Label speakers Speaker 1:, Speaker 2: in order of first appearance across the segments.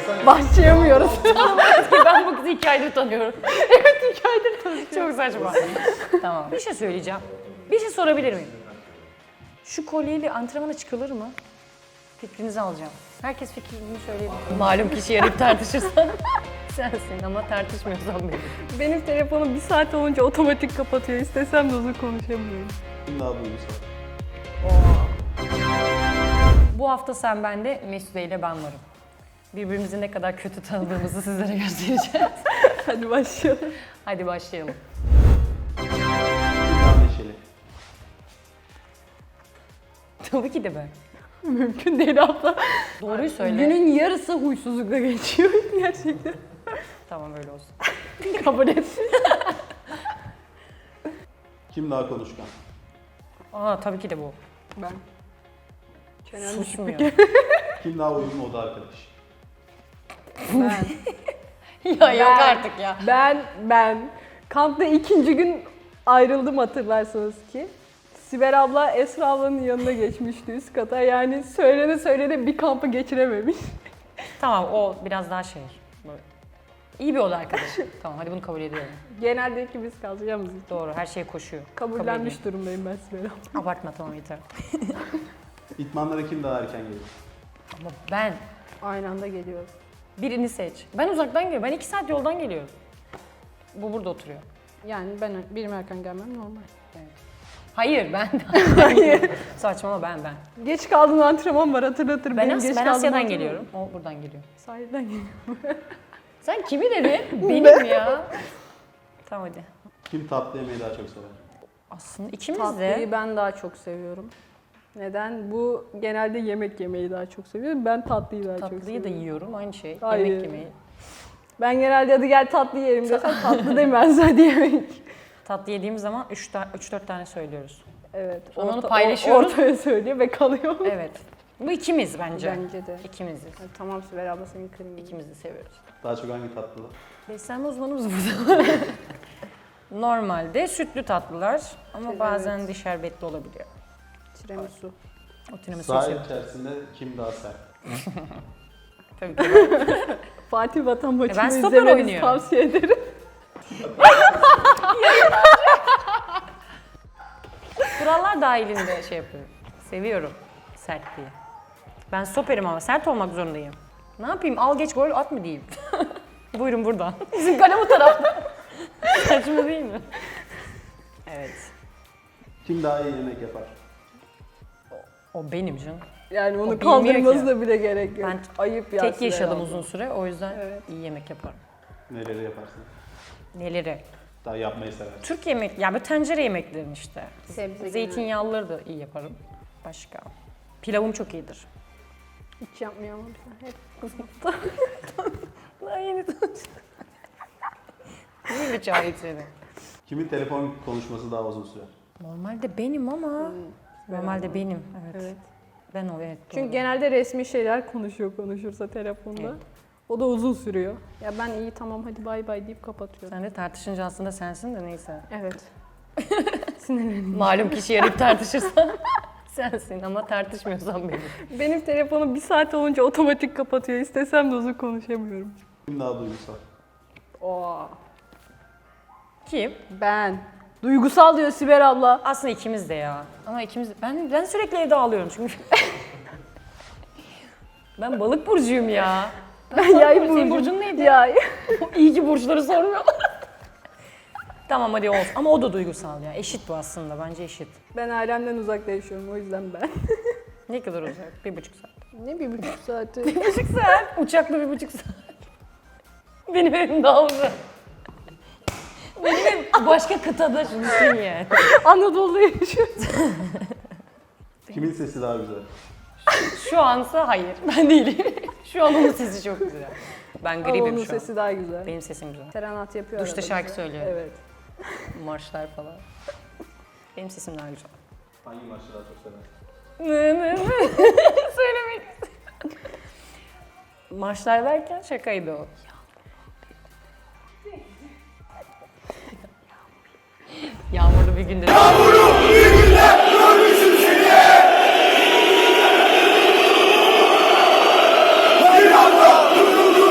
Speaker 1: Başlayamıyoruz.
Speaker 2: Ben bu kızı 2 aydır tanıyorum.
Speaker 1: Evet, 2 aydır tanışıyoruz.
Speaker 2: Çok saçma. Tamam. Bir şey söyleyeceğim. Bir şey sorabilir miyim? Şu kolyeyle antrenmana çıkılır mı? Fikrinizi alacağım. Herkes fikrini söyleyebilir. Malum kişi arayıp tartışırsan sensin ama tartışmıyorsan benim.
Speaker 1: Benim telefonum 1 saat olunca otomatik kapatıyor. İstesem de uzun konuşamıyorum.
Speaker 3: Kim daha duygusal?
Speaker 2: Bu hafta sen bende, Mesude ile ben varım. Birbirimizi ne kadar kötü tanıdığımızı sizlere göstereceğiz.
Speaker 1: Hadi başlayalım.
Speaker 2: Hadi başlayalım.
Speaker 3: Kim daha neşeli?
Speaker 2: Tabii ki de ben.
Speaker 1: Mümkün değil abla.
Speaker 2: Doğruyu söyle.
Speaker 1: Günün yarısı huysuzlukla geçiyor gerçekten.
Speaker 2: Tamam öyle olsun.
Speaker 1: Kabul et.
Speaker 3: Kim daha konuşkan?
Speaker 2: Aa tabii ki de bu.
Speaker 1: Ben. Çenem
Speaker 2: Susmuyor.
Speaker 3: Kim daha uyumlu oda arkadaş?
Speaker 1: Ben.
Speaker 2: Ya yok artık ya.
Speaker 1: Ben. Kampta 2. gün ayrıldım hatırlarsanız ki. Sibel abla Esra ablanın yanına geçmişti üst kata. Yani söylene bir kampı geçirememiş.
Speaker 2: Tamam o biraz daha şey. Böyle. İyi bir oda arkadaşı. Tamam hadi bunu kabul ediyorum.
Speaker 1: Genelde ikimiz kalacağımız için.
Speaker 2: Doğru her şey koşuyor. Kabul
Speaker 1: Kabullenmiş
Speaker 2: edeyim.
Speaker 1: durumdayım ben Sibel abla.
Speaker 2: Abartma tamam yeter.
Speaker 3: İtmanlara kim daha erken gelir?
Speaker 2: Ama ben
Speaker 1: Aynı anda geliyoruz.
Speaker 2: birini seç. Ben uzaktan geliyorum. Ben 2 saat yoldan geliyorum. Bu burada oturuyor.
Speaker 1: Yani benim erken gelmem normal.
Speaker 2: Hayır ben. Hayır. Saçmalama ben.
Speaker 1: Geç kaldığın antrenman var hatırlatırım.
Speaker 2: Ben,
Speaker 1: Benim geç
Speaker 2: ben
Speaker 1: kaldığım
Speaker 2: Asya'dan
Speaker 1: antrenman-
Speaker 2: geliyorum. O buradan geliyor.
Speaker 1: Sahilden geliyorum.
Speaker 2: Sen kimi dedin? Benim ya. Tamam hadi.
Speaker 3: Kim tatlı yemeği daha çok sever?
Speaker 2: Aslında ikimiz
Speaker 1: Tatlıyı
Speaker 2: de.
Speaker 1: ben daha çok seviyorum. Neden? Bu genelde yemek yemeyi daha çok seviyorum. Ben tatlıyı daha çok
Speaker 2: Tatlıyı da
Speaker 1: seviyorum.
Speaker 2: yiyorum aynı şey.
Speaker 1: Hayır.
Speaker 2: Yemek yemeyi.
Speaker 1: Ben genelde hadi gel tatlı yiyelim desem tatlı demez hadi yemek.
Speaker 2: Tatlı yediğimiz zaman 3-4 tane söylüyoruz.
Speaker 1: Evet.
Speaker 2: Sonra onu paylaşıyoruz.
Speaker 1: Ortaya söylüyor ve kalıyor.
Speaker 2: Evet. Bu ikimiz bence.
Speaker 1: Bence de.
Speaker 2: İkimiziz.
Speaker 1: Ha, tamam Sibel abla senin kırmızı.
Speaker 2: İkimiz de seviyoruz.
Speaker 3: Daha çok hangi tatlılar?
Speaker 2: Beslenme uzmanımız burada. Normalde sütlü tatlılar ama
Speaker 1: Evet.
Speaker 2: bazen de şerbetli olabiliyor.
Speaker 1: Tiramisu.
Speaker 2: O tiramisu
Speaker 3: Sahil
Speaker 2: seviyorum.
Speaker 3: içerisinde kim daha sert?
Speaker 2: Tabii ki.
Speaker 1: Fatih Vatan maçını
Speaker 2: ben stoper
Speaker 1: izlemenizi
Speaker 2: oynuyorum.
Speaker 1: tavsiye ederim.
Speaker 2: Kurallar dahilinde şey yapıyorum. Seviyorum sertliği. Ben stoperim ama sert olmak zorundayım. Ne yapayım? Al geç gol at mı diyeyim? Buyurun buradan. Bizim kale bu tarafta. Saçma değil mi? Evet.
Speaker 3: Kim daha iyi yemek yapar?
Speaker 2: O benim canım.
Speaker 1: Yani
Speaker 2: O
Speaker 1: onu
Speaker 2: bilmiyor
Speaker 1: kaldırmasına bile gerek yok.
Speaker 2: Ben
Speaker 1: Ayıp ya
Speaker 2: Tek
Speaker 1: Sibel
Speaker 2: yaşadım
Speaker 1: abla.
Speaker 2: uzun süre o yüzden
Speaker 1: Evet.
Speaker 2: iyi yemek yaparım.
Speaker 3: Neleri yaparsın?
Speaker 2: Neleri?
Speaker 3: Daha yapmayı seversin.
Speaker 2: Türk yemek, ya böyle tencere yemeklerim işte.
Speaker 1: Sebze
Speaker 2: Zeytinyağlıları da iyi yaparım. Başka. Pilavım çok iyidir.
Speaker 1: Hiç yapmıyor ama bize. Hep
Speaker 2: Daha yeni İyi bir çayı seni.
Speaker 3: Kimin telefon konuşması daha uzun sürer?
Speaker 2: Normalde benim ama. Normalde benim. Evet.
Speaker 1: Evet.
Speaker 2: Ben o evet.
Speaker 1: Çünkü
Speaker 2: doğru.
Speaker 1: genelde resmi şeyler konuşursa telefonda.
Speaker 2: Evet.
Speaker 1: O da uzun sürüyor. Ya ben iyi tamam hadi bay bay deyip kapatıyorum.
Speaker 2: Sen de tartışınca aslında sensin de neyse.
Speaker 1: Evet. Sinirlendim.
Speaker 2: Malum kişi arayıp tartışırsan sensin ama tartışmıyorsan benim.
Speaker 1: Benim telefonum 1 saat olunca otomatik kapatıyor. İstesem de uzun konuşamıyorum.
Speaker 3: Kim daha duygusal?
Speaker 1: Oo.
Speaker 2: Kim?
Speaker 1: Ben. Duygusal diyor Sibel abla.
Speaker 2: Aslında ikimiz de ya. Ama ikimiz ben sürekli evde ağlıyorum çünkü. Ben balık burcuyum ya.
Speaker 1: Ben yay
Speaker 2: Senin
Speaker 1: burcum.
Speaker 2: burcun neydi?
Speaker 1: Yay.
Speaker 2: İyi ki burçları sormuyorlar. Tamam hadi olsun. Ama o da duygusal ya. Eşit bu aslında. Bence eşit.
Speaker 1: Ben ailemden uzakta yaşıyorum o yüzden ben.
Speaker 2: Ne kadar uzak? 1,5 saat.
Speaker 1: Ne 1,5 saati?
Speaker 2: 1,5 saat. Uçakla 1,5 saat. Benim evim daha uzak. Benim evim başka kıtada şunu düşün yani.
Speaker 1: Anadolu'da yaşıyorum.
Speaker 3: Kimin sesi daha güzel?
Speaker 2: Şu ansa hayır. Ben değilim. Şu an onun sesi çok güzel. Ben
Speaker 1: Ama
Speaker 2: gribim
Speaker 1: onun
Speaker 2: şu an.
Speaker 1: sesi daha güzel.
Speaker 2: Benim sesim güzel.
Speaker 1: Serenat yapıyor.
Speaker 2: Duşta
Speaker 1: arada
Speaker 2: şarkı
Speaker 1: bize.
Speaker 2: söylüyor.
Speaker 1: Evet.
Speaker 2: Marşlar falan. Benim sesim daha güzel.
Speaker 3: Hangi maçı daha çok seversin?
Speaker 2: Söylemek istedim. Marşlar derken şakaydı o. Yağmurlu bir günde.
Speaker 4: Yağmurlu bir günde görmüşüm seni. Bir anda durdurdun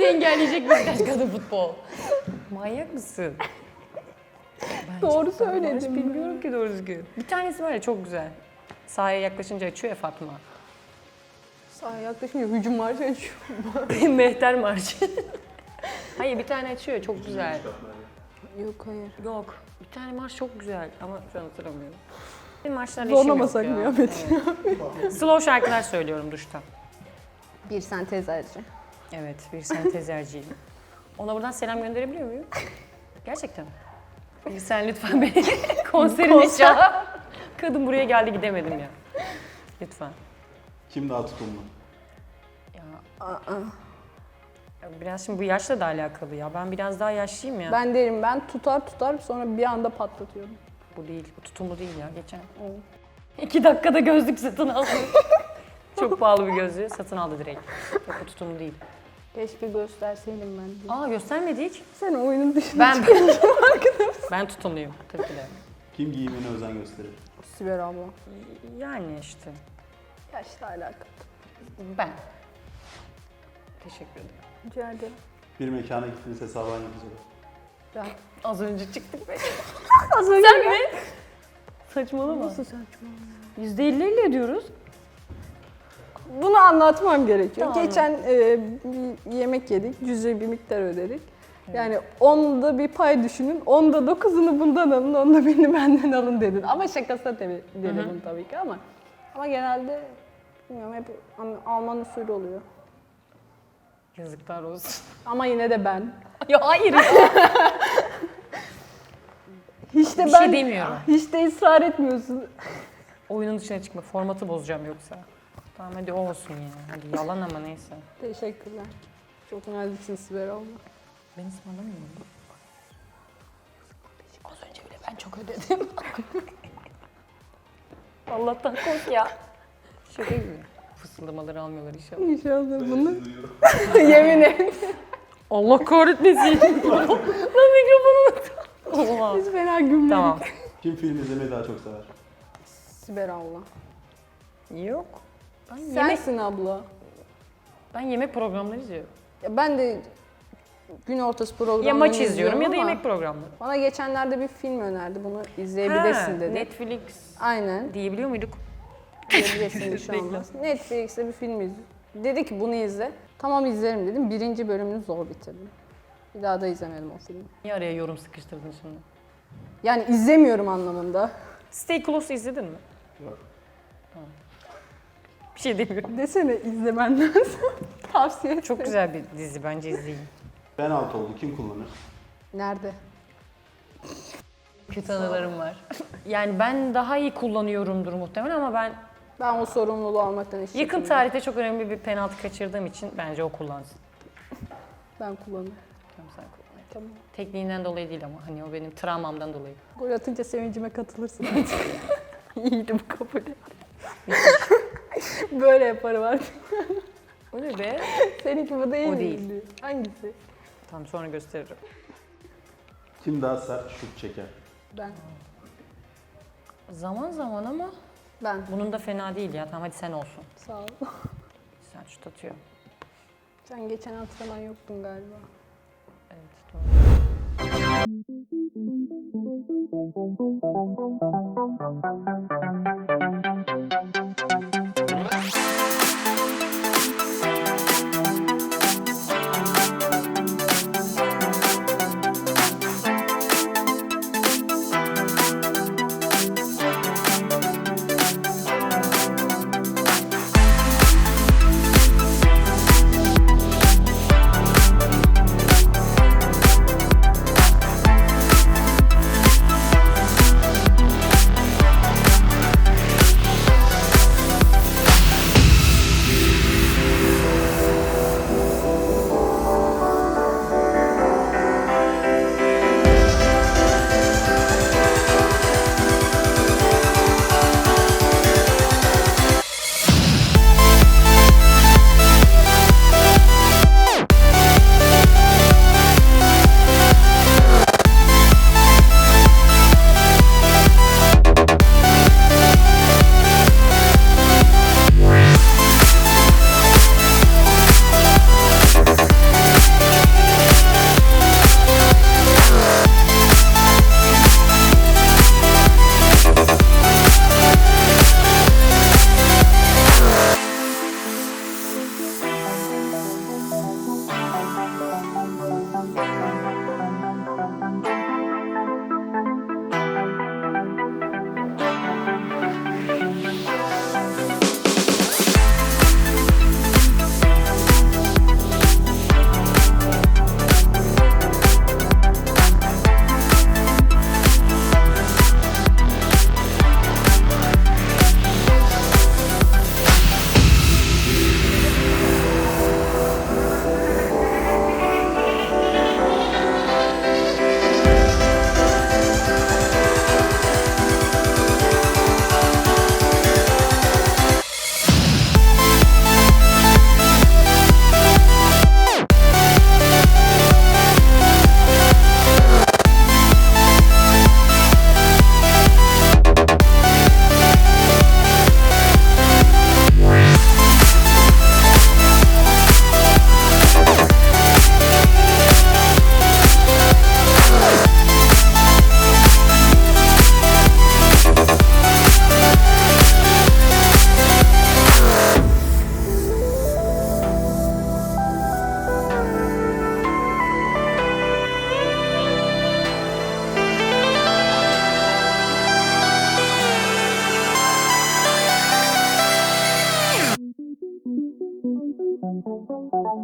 Speaker 2: engelleyecek Beşiktaş kadın futbol? Manyak mısın?
Speaker 1: Doğru söyledim.
Speaker 2: Bilmiyorum ki doğru düzgün. Bir tanesi var ya çok güzel. Sahaya yaklaşınca açıyor ya Fatma.
Speaker 1: Sahaya yaklaşınca hücum var açıyor.
Speaker 2: Mehter Marşı. Hayır bir tane açıyor çok güzel.
Speaker 1: Yok hayır.
Speaker 2: Yok. Bir tane marş çok güzel ama şu an hatırlamıyorum. Benim marşlarla işim yok
Speaker 1: Zorlamasak
Speaker 2: ya.
Speaker 1: mı Ahmet?
Speaker 2: Evet. Slow şarkılar söylüyorum duşta.
Speaker 1: Bir sentezerci.
Speaker 2: Evet, bir sentezerciyim. Ona buradan selam gönderebiliyor muyum? Gerçekten. Sen lütfen beni konserine çağır. Kadın buraya geldi gidemedim ya. Lütfen.
Speaker 3: Kim daha tutumlu?
Speaker 2: Ya, ya biraz şimdi bu yaşla da alakalı ya. Ben biraz daha yaşlıyım ya.
Speaker 1: Ben derim ben tutar sonra bir anda patlatıyorum.
Speaker 2: Bu değil, bu tutumlu değil ya. Geçen 2 dakikada gözlük satın aldı. Çok pahalı bir gözlüğü satın aldı direkt. Yok bu tutumlu değil.
Speaker 1: Keşke gösterseydim ben de.
Speaker 2: Aa göstermedi hiç.
Speaker 1: Sen oyunun dışında
Speaker 2: Ben tutumluyum tabii ki de.
Speaker 3: Kim giyimine özen gösterir?
Speaker 1: Sibel abla.
Speaker 2: Yani işte
Speaker 1: Yaşla alakalı.
Speaker 2: ben. Teşekkür ederim.
Speaker 1: Rica ederim.
Speaker 3: Bir mekana gittiniz hesabı hangi yapacak?
Speaker 1: Ben.
Speaker 2: Az önce çıktık be.
Speaker 1: Az önce
Speaker 2: Sen mi? Saçmalama.
Speaker 1: Nasıl saçma?
Speaker 2: %50 ödüyoruz.
Speaker 1: Bunu anlatmam gerekiyor.
Speaker 2: Tamam.
Speaker 1: Geçen bir yemek yedik, cüzi bir miktar ödedik. Yani 10'da bir pay düşünün, 10'da 9'unu bundan alın, 10'da birini benden alın dedin. Ama şakasına dedim tabii ki ama genelde bilmiyorum hep Alman usulü oluyor.
Speaker 2: Yazıklar olsun.
Speaker 1: Ama yine de ben.
Speaker 2: Ya hayır ya.
Speaker 1: Hiç de
Speaker 2: Bir
Speaker 1: ben
Speaker 2: şey demiyorum.
Speaker 1: Hiç de ısrar etmiyorsun.
Speaker 2: Oyunun dışına çıkma. Formatı bozacağım yoksa. Tamam hadi o olsun ya. Hadi yalan ama neyse.
Speaker 1: Teşekkürler. Çok naziksin Sibel abla.
Speaker 2: Ben ısmarlamıyorum. Az önce bile ben çok ödedim. Allah'tan kork ya. Şaka gibi. Fısıldamaları almıyorlar inşallah.
Speaker 1: İnşallah bunu
Speaker 3: duyuyorum.
Speaker 1: yemin et.
Speaker 2: Allah kahretmesin. Lan mikrofonu unuttum. Oha.
Speaker 1: Biz fena gülmedik.
Speaker 2: Tamam.
Speaker 3: Kim film izlemeyi daha çok sever?
Speaker 1: Sibel abla.
Speaker 2: Yok.
Speaker 1: Sensin abla.
Speaker 2: Ben yemek programları izliyorum.
Speaker 1: Ya ben de gün ortası programını
Speaker 2: Ya maç izliyorum ya da
Speaker 1: ama
Speaker 2: yemek programları.
Speaker 1: Bana geçenlerde bir film önerdi. Bunu izleyebilirsin dedi.
Speaker 2: Netflix
Speaker 1: Aynen.
Speaker 2: diyebiliyor muyduk?
Speaker 1: İzleyebilirsin bir şey olmaz. Netflix'te bir film izle. Dedi ki bunu izle. Tamam izlerim dedim. 1. bölümünü zor bitirdim. Bir daha da izlemedim o filmi.
Speaker 2: Niye araya yorum sıkıştırdın şimdi?
Speaker 1: Yani izlemiyorum anlamında.
Speaker 2: Stay Close izledin mi?
Speaker 3: Yok.
Speaker 2: Bir şey demiyorum.
Speaker 1: Desene izlemen lazım. Tavsiye et.
Speaker 2: Çok güzel bir dizi bence izleyin.
Speaker 3: Penaltı oldu. Kim kullanır?
Speaker 1: Nerede?
Speaker 2: Kötü anılarım var. Yani ben daha iyi kullanıyorumdur muhtemelen ama ben
Speaker 1: Ben o sorumluluğu almaktan hiç
Speaker 2: yakın
Speaker 1: çekinmiyorum.
Speaker 2: tarihte çok önemli bir penaltı kaçırdığım için bence o kullansın.
Speaker 1: Ben kullanırım.
Speaker 2: Tamam sen kullan.
Speaker 1: Tamam.
Speaker 2: Tekniğinden dolayı değil ama hani o benim travmamdan dolayı.
Speaker 1: Gol atınca sevincime katılırsın artık. İyiydi bu kabul et. Böyle yaparım artık.
Speaker 2: O ne be?
Speaker 1: Seninki bu değil
Speaker 2: O
Speaker 1: mi?
Speaker 2: değil.
Speaker 1: Hangisi?
Speaker 2: Tamam sonra gösteririm.
Speaker 3: Kim daha sert şut çeker?
Speaker 1: Ben.
Speaker 2: Zaman zaman ama
Speaker 1: Ben.
Speaker 2: bunun da fena değil ya. Tamam hadi sen olsun.
Speaker 1: Sağ ol.
Speaker 2: Sen şut atıyor.
Speaker 1: Sen geçen antrenman yoktun galiba.
Speaker 2: Evet doğru.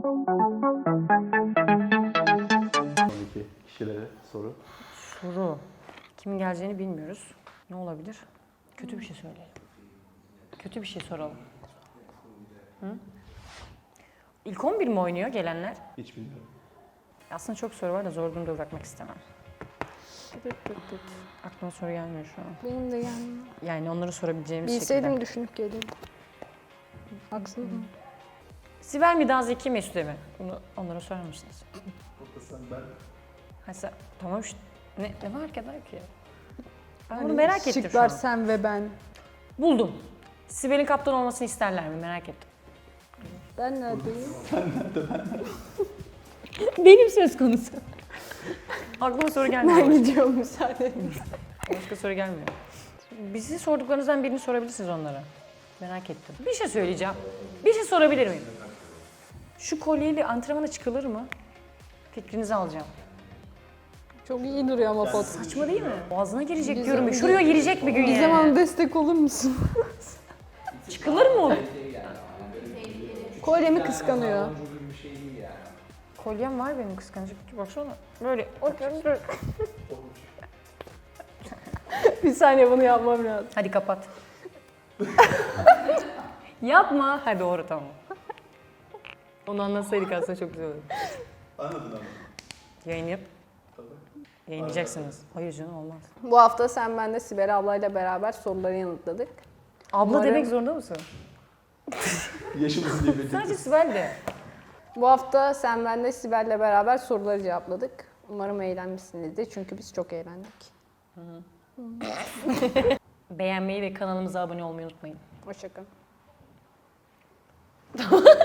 Speaker 3: Sonraki kişilere soru.
Speaker 2: Soru. Kimin geleceğini bilmiyoruz. Ne olabilir? Kötü bir şey söyleyelim. Kötü bir şey soralım. Hı? İlk 11 mi oynuyor gelenler?
Speaker 3: Hiç bilmiyorum.
Speaker 2: Aslında çok soru var da zor durumda bırakmak istemem. Aklıma soru gelmiyor şu an.
Speaker 1: Benim de yani.
Speaker 2: Yani onları sorabileceğimiz
Speaker 1: Bilseydim
Speaker 2: şekilde.
Speaker 1: düşünüp gelirdim. Haksız mı?
Speaker 2: Sibel mi daha Zeki Mesut'e mi? Bunu onlara sorar mısınız? Ha sen, tamam işte. Ne fark eder ki? Ben bunu merak ettim şu
Speaker 1: Şıklar
Speaker 2: an.
Speaker 1: sen ve ben.
Speaker 2: Buldum. Sibel'in kaptan olmasını isterler mi? Merak ettim.
Speaker 1: Ben neredeyim?
Speaker 2: Benim söz konusu. Aklıma soru gelmiyor.
Speaker 1: Ben gidiyorum müsaade.
Speaker 2: Başka soru gelmiyor. Bizi sorduklarınızdan birini sorabilirsiniz onlara. Merak ettim. Bir şey söyleyeceğim. Bir şey sorabilir miyim? Şu kolyeyle antrenmana çıkılır mı? Fikrinizi alacağım.
Speaker 1: Çok iyi duruyor ama foto.
Speaker 2: Saçma değil mi? Boğazına girecek
Speaker 1: Gizem-
Speaker 2: diyorum. Şuraya girecek bir gün
Speaker 1: Gizem
Speaker 2: yani.
Speaker 1: Hanım destek olur musun?
Speaker 2: Çıkılır mı o?
Speaker 1: Kolyemi kıskanıyor.
Speaker 2: Kolyem var benim kıskanacak. Baksana. Böyle.
Speaker 1: Bir saniye bunu yapmam lazım.
Speaker 2: Hadi kapat. Yapma. Ha doğru tamam. Onu anlatsaydık aslında çok güzel olurdu.
Speaker 3: Anladın ama.
Speaker 2: Yayınlayıp yayınlayacaksınız. Hayır canım olmaz.
Speaker 1: Bu hafta sen ben de Sibel ablayla beraber soruları yanıtladık.
Speaker 2: Abla
Speaker 1: Umarım-
Speaker 2: demek zorunda mısın?
Speaker 3: Yaşımızı diye belirttik.
Speaker 2: Sadece Sibel de.
Speaker 1: Bu hafta sen ben de Sibel'le beraber soruları cevapladık. Umarım eğlenmişsinizdir çünkü biz çok eğlendik.
Speaker 2: Beğenmeyi ve kanalımıza abone olmayı unutmayın.
Speaker 1: Hoşçakalın.